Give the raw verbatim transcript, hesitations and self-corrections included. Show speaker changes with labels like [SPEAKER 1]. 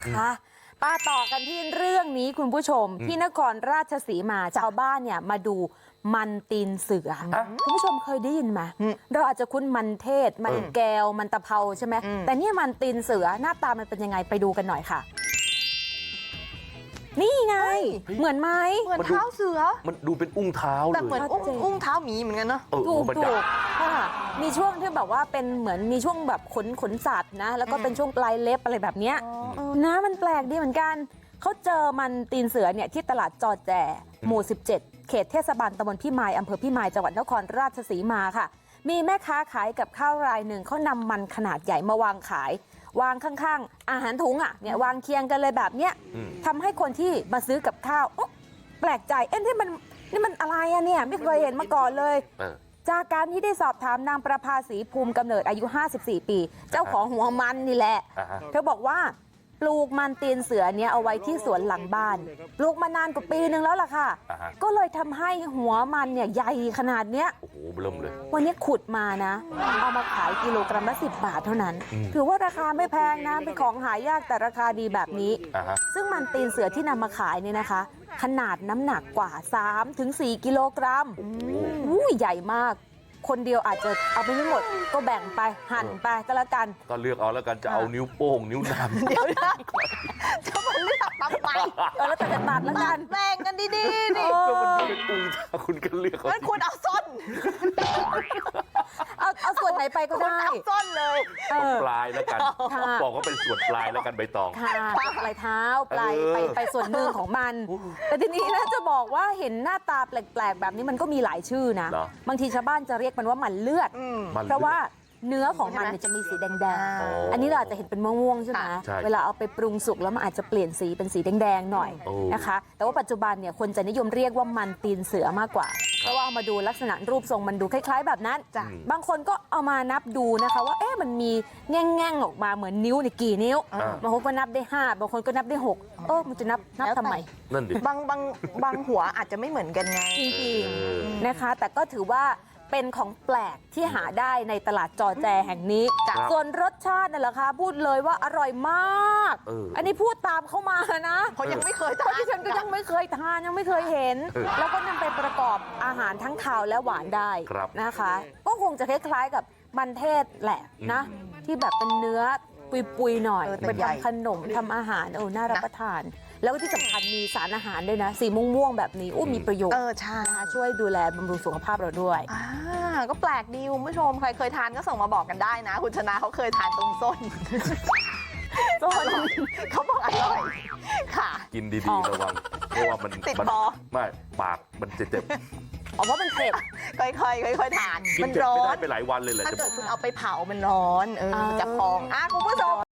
[SPEAKER 1] ค่ะป้าต่อกันที่เรื่องนี้คุณผู้ชมที่นครราชสีมาชาวบ้านเนี่ยมาดูมันตีนเสือคุณผู้ชมเคยได้ยินไหมเราอาจจะคุ้นมันเทศมันแก้วมันตะเภาใช่ไหมแต่เนี่ยมันตีนเสือหน้าตามันเป็นยังไงไปดูกันหน่อยค่ะนี่ไงเหมือนไหม
[SPEAKER 2] เหมือนเท้าเสือ
[SPEAKER 3] มันดูเป็นอุ้งเท้าเลย
[SPEAKER 2] แต่เหมือนอุ้งอุ้งเท้าหมีเหมือนกันเนาะ
[SPEAKER 1] ถูกถูกค่ะมีช่วงที่แบบว่าเป็นเหมือนมีช่วงแบบขนขนสัตว์นะแล้วก็เป็นช่วงปลายเล็บอะไรแบบเนี้ยนะมันแปลกดีเหมือนกันเขาเจอมันตีนเสือเนี่ยที่ตลาดจอแจหมู่สิบเจ็ดเขตเทศบาลตำบลพิมายอำเภอพิมายจังหวัดนครราชสีมาค่ะมีแม่ค้าขายกับข้าวรายหนึ่งเขานำมันขนาดใหญ่มาวางขายวางข้างๆอาหารถุงอ่ะเนี่ยวางเคียงกันเลยแบบเนี้ยทำให้คนที่มาซื้อกับข้าวแปลกใจเอ๊ะนี่มันนี่มันอะไรอะเนี่ยไม่เคยเห็นมาก่อนเลยจากการที่ได้สอบถามนางประภาสีภูมิกำเนิดอายุห้าสิบสี่ปีเจ้าของหัวมันนี่แหละเธอบอกว่าปลูกมันตีนเสือเนี่ยเอาไว้ที่สวนหลังบ้านปลูกมานานกว่าปีนึงแล้วล่ะค่ะก็เลยทำให้หัวมันเนี่ยใหญ่ขนาดเนี้ย
[SPEAKER 3] โอ้โหเริ่มเลย
[SPEAKER 1] วันนี้ขุดมานะเอามาขายกิโลกรัมละสิบบาทเท่านั้นถือว่าราคาไม่แพงนะเป็นของหายากแต่ราคาดีแบบนี้ซึ่งมันตีนเสือที่นำมาขายเนี่ยนะคะขนาดน้ำหนักกว่า สามถึงสี่ กิโลกรัมอู้ใหญ่มากคนเดียวอาจจะเอาไปไม่หมดก็แบ่งไปหั่นไปก็แล้วกัน
[SPEAKER 3] ก็เลือกเอาแล้วกันจะเอานิ้วโป้งนิ้วนาง
[SPEAKER 2] เดี๋ยวนะจะมาเลือกทำไม
[SPEAKER 1] เออแล้วแต่จะตัดแล้วกัน
[SPEAKER 2] แบ่งกันดีๆนี่
[SPEAKER 3] ก็มันเป็นอุ้งถ้าคุณก็เลือกเอา
[SPEAKER 2] งั้นคุณเอาส้น
[SPEAKER 1] เอาเอาส่วนไหนไปก็ได้
[SPEAKER 2] เอาส้นเลย
[SPEAKER 3] ปลายแล้วกันบอกว่าเป็นส่วนปลายแล้วกันใบตอง
[SPEAKER 1] ค่ะปลายเท้าปลายไปไปส่วนหนึ่งของมันแต่ทีนี้นะจะบอกว่าเห็นหน้าตาแปลกๆแบบนี้มันก็มีหลายชื่อนะบางทีชาวบ้านจะเรียกมันว่ามันเลือดเพราะว่าเนื้อของมันจะมีสีแดงๆอันนี้เราอาจจะเห็นเป็นม่วงๆใช่ไหมเวลาเอาไปปรุงสุกแล้วมันอาจจะเปลี่ยนสีเป็นสีแดงๆหน่อยนะคะแต่ว่าปัจจุบันเนี่ยคนจะนิยมเรียกว่ามันตีนเสือมากกว่าเพราะว่าเอามาดูลักษณะรูปทรงมันดูคล้ายๆแบบนั้นบางคนก็เอามานับดูนะคะว่าเอ๊ะมันมีแง่งๆออกมาเหมือนนิ้วในกี่นิ้วบางคนก็นับได้ห้าบางคนก็นับได้หกเออมันจะนับนับทำไม
[SPEAKER 3] นั่นดิ
[SPEAKER 2] บางบางบางหัวอาจจะไม่เหมือนกันไง
[SPEAKER 1] จริงๆนะคะแต่ก็ถือว่าเป็นของแปลกที่หาได้ในตลาดจอแจแห่งนี้ส่วนรสชาตินั่นแหละค่ะพูดเลยว่าอร่อยมากอันนี้พูดตามเข้ามานะ
[SPEAKER 2] เพราะยังไม่เคยทาน
[SPEAKER 1] ที่ฉันก็ยังไม่เคยทานยังไม่เคยเห็นแล้วก็นำไปประกอบอาหารทั้งคาวและหวานได้นะคะก็คงจะคล้ายๆกับมันเทศแหละนะที่แบบเป็นเนื้อปุยๆหน่อยเป็นทำขนมทำอาหารเออน่ารับประทานแล้วที่สำคัญมีสารอาหารด้วยนะสีม่วงๆแบบนี้อู้มีประโยชน์
[SPEAKER 2] เออใช่
[SPEAKER 1] ช่วยดูแลบำรุงสุขภาพเราด้วย
[SPEAKER 2] อ่าก็แปลกดีคุณผู้ชมใครเคยทานก็ส่งมาบอกกันได้นะคุณชนะเขาเคยทานตรงส้นส้นเขาบอกอร่อยค่ะ
[SPEAKER 3] กินดีๆระวังเพราะว่ามัน
[SPEAKER 2] ติดคอ
[SPEAKER 3] ไม่ปากมันจะเจ็บ
[SPEAKER 1] อ๋อเพราะมันเจ็บ
[SPEAKER 2] ค่อยๆค่อยๆทานมันร้อน
[SPEAKER 3] ไปหลายวันเลยแหละ
[SPEAKER 2] ถ้าเกิดคุณเอาไปเผามันร้อนเออจะพองอ่ะคุณผู้ชม